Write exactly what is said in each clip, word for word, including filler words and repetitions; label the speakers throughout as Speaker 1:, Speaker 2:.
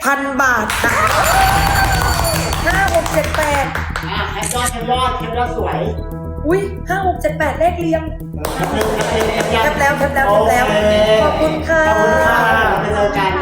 Speaker 1: พันบาทนะห้าหกเจ็ดแปด
Speaker 2: อ่ะแคปยอดแคปยอดแคปยอดสวย
Speaker 1: อุ้ยห้าหกเจ็ดแปดเลขเรียง
Speaker 2: แคปแล้วแคปแล้ว
Speaker 1: แคปแล้วแคปแล้วแคปแล้วขอบคุณค่ะ
Speaker 2: ขอบคุณค่ะไปเจอกัน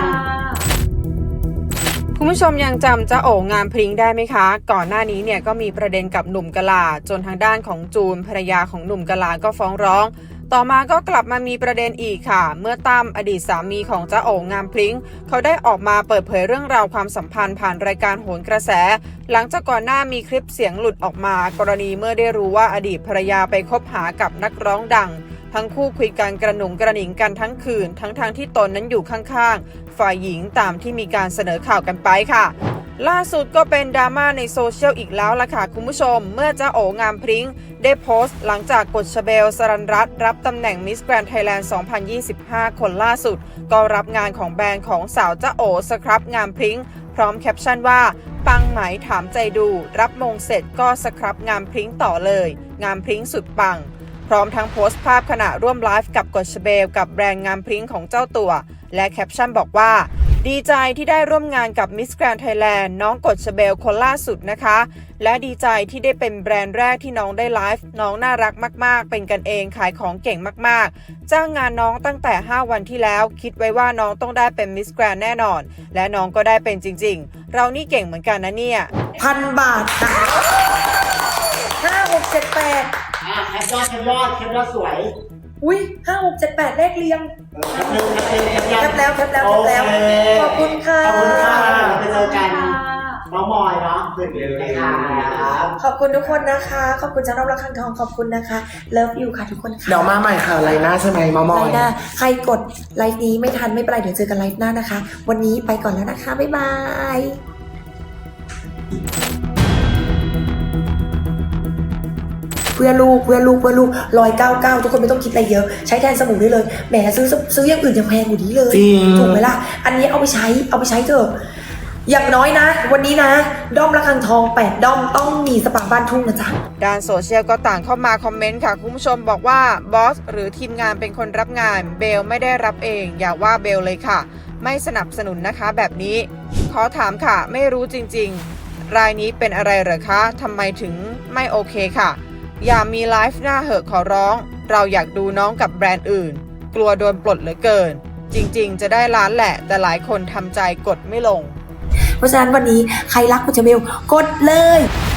Speaker 3: คุณผู้ชมยังจำจ้าโองามพริ้งได้ไหมคะ ก่อนหน้านี้เนี่ยก็มีประเด็นกับหนุ่มกะลาจนทางด้านของจูนภรรยาของหนุ่มกะลาก็ฟ้องร้องต่อมาก็กลับมามีประเด็นอีกค่ะเมื่อตั้มอดีตสามีของจ้าโองามพริ้งเขาได้ออกมาเปิดเผยเรื่องราวความสัมพันธ์ผ่านรายการโหนกระแสหลังจากก่อนหน้ามีคลิปเสียงหลุดออกมากรณีเมื่อได้รู้ว่าอดีตภรรยาไปคบหากับนักร้องดังทั้งคู่คุยกันกระหนุงกระหนิงกันทั้งคืนทั้งทางที่ตนนั้นอยู่ข้างๆฝ่ายหญิงตามที่มีการเสนอข่าวกันไปค่ะล่าสุดก็เป็นดราม่าในโซเชียลอีกแล้วล่ะค่ะคุณผู้ชมเมื่อจ้าโองามพริ้งได้โพสต์หลังจากกฎชเบลสรันรัตน์รับตำแหน่งมิสแกรนด์ไทยแลนด์ สองพันยี่สิบห้า คนล่าสุดก็รับงานของแบรนด์ของสาวจ้าโอสครับงามพริ้งพร้อมแคปชั่นว่าปังไหมถามใจดูรับมงเสร็จก็สครับงามพริ้งต่อเลยงามพริ้งสุดปังพร้อมทั้งโพสต์ภาพขณะร่วมไลฟ์กับกฎชเบลกับแบรนด์งามพริ้งของเจ้าตัวและแคปชั่นบอกว่าดีใจที่ได้ร่วมงานกับ Miss Grand Thailand น้องกฎชเบลคนล่าสุดนะคะและดีใจที่ได้เป็นแบรนด์แรกที่น้องได้ไลฟ์น้องน่ารักมากๆเป็นกันเองขายของเก่งมากๆจ้างงานน้องตั้งแต่ห้าวันที่แล้วคิดไว้ว่าน้องต้องได้เป็น Miss Grand แน่นอนและน้องก็ได้เป็นจริงๆเรานี่เก่งเหมือนกันนะเนี่ย
Speaker 1: พันบาทนะห้าหกเจ็ดแปด
Speaker 2: อ่ะแคปยอดแคปยอดแคปยอดสวย
Speaker 1: อุ้ยห้าหกเจ็ดแปดเลขเรียง
Speaker 2: แคปแล้วแคปแล้ว
Speaker 1: แคปแล้วแคปแล้วขอบคุณค่ะ
Speaker 2: ขอบคุณค่ะไปเจอกันน้องมอยเนาะตื่นเร็วเลยค่ะ
Speaker 1: ขอบคุณทุกคนนะคะขอบคุณเจ้าน้องรักคังทองขอบคุณนะคะเลิฟอยู่ค่ะทุกคนค่ะ
Speaker 4: เดี๋ยวมาใหม่ค่ะไลน์หน้าใช่ไหมมอมอ
Speaker 1: ไลน์หน้าใครกดไลฟ์นี้ไม่ทันไม่เป็นไรเดี๋ยวเจอกันไลฟ์หน้านะคะวันนี้ไปก่อนแล้วนะคะบ๊ายบายเพื่อลูกเพื่อลูกเพื่อลูกร้อยเก้าเก้าทุกคนไม่ต้องคิดอะไรเยอะใช้แทนสมุนได้เลยแหมซื้อซื้ออย่างอื่นยังแพงกว่านี้เลยถูกไหมล่ะอันนี้เอาไปใช้เอาไปใช้เถอะอย่างน้อยนะวันนี้นะด้อมระฆังทองแปดด้อมต้องมีสปาบ้านทุ่งนะจ๊ะ
Speaker 3: ด้านโซเชียลก็ต่างเข้ามาคอมเมนต์ค่ะคุณผู้ชมบอกว่าบอสหรือทีมงานเป็นคนรับงานเบลไม่ได้รับเองอย่าว่าเบลเลยค่ะไม่สนับสนุนนะคะแบบนี้ขอถามค่ะไม่รู้จริงๆรายนี้เป็นอะไรเหรอคะทำไมถึงไม่โอเคค่ะอย่ามีไลฟ์หน้าเหอะขอร้องเราอยากดูน้องกับแบรนด์อื่นกลัวโดนปลดเหลือเกินจริงๆจะได้ล้านแหละแต่หลายคนทำใจกดไม่ลง
Speaker 1: เพราะฉะนั้นวันนี้ใครรักคุณเจเบลกดเลย